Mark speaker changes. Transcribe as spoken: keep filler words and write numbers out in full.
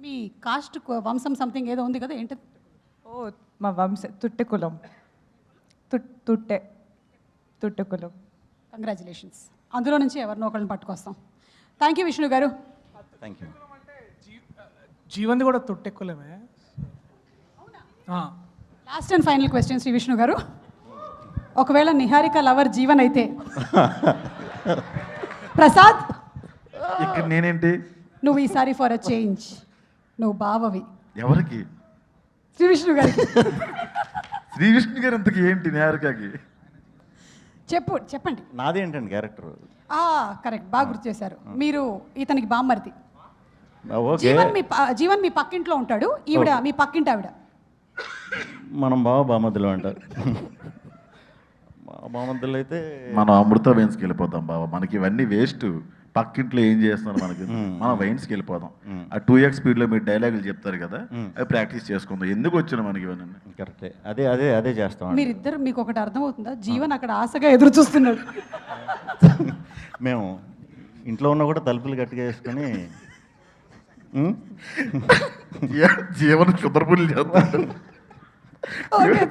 Speaker 1: మీ cost వంశం something ఏదో ఉంది కదా, ఏంటి?
Speaker 2: ఓ మా వంశ తుట్టె కులం. తుట్ తుట్టె తుట్టె కులం.
Speaker 1: కంగ్రాచులేషన్స్. అందులో నుంచి ఎవరినో ఒకరిని పట్టుకొస్తాం. థ్యాంక్ యూ విష్ణు గారు.
Speaker 3: Thank you.
Speaker 4: జీవన్ది కూడా తొట్టెక్కులమే.
Speaker 1: Last and final question Shri Vishnu గారు. ఒకవేళ నిహారిక లవర్ జీవన్ అయితే ప్రసాద్
Speaker 5: ఇక్కడ నేనేంటి?
Speaker 1: నువ్వు ఈసారి ఫర్ అ చేంజ్ నువ్వు బావవి.
Speaker 5: ఎవరికి?
Speaker 1: శ్రీ విష్ణు గారికి.
Speaker 5: శ్రీ విష్ణు గారు ఇంతకి ఏంటి నిహారికకి?
Speaker 1: చెప్పు చెప్పండి.
Speaker 3: నాదేంటండి క్యారెక్టర్?
Speaker 1: కరెక్ట్, బాగా గుర్తు చేశారు. మీరు ఇతనికి బామ్మర్ది.
Speaker 3: ఓకే,
Speaker 1: జీవన్ మీ ప- జీవన్ మీ పక్కింట్లో ఉంటాడు, ఈవిడ మీ పక్కింటి ఆవిడ.
Speaker 3: మనం బావ బామద్దులు అంటారు. బామద్దులు అయితే
Speaker 5: మనం అమృత వైన్స్కి వెళ్ళిపోతాం బాబా. మనకి ఇవన్నీ వేస్ట్. పక్కింట్లో ఏం చేస్తున్నారు మనకి? మనం వైన్స్కి వెళ్ళిపోదాం. ఆ టూ ఎక్స్ స్పీడ్లో మీరు డైలాగులు చెప్తారు కదా, అవి ప్రాక్టీస్ చేసుకుందాం. ఎందుకు వచ్చిన మనకి ఇవన్నీ?
Speaker 3: కరెక్టే, అదే అదే అదే చేస్తాం.
Speaker 1: మీరిద్దరు మీకు ఒకటి అర్థమవుతుందా? జీవన్ అక్కడ ఆశగా ఎదురు చూస్తున్నాడు.
Speaker 3: మేము ఇంట్లో ఉన్న కూడా తలుపులు గట్టిగా వేసుకొని
Speaker 5: జీవన క్షుద్రపుల్లి చేస్తాడు.
Speaker 1: ఓకే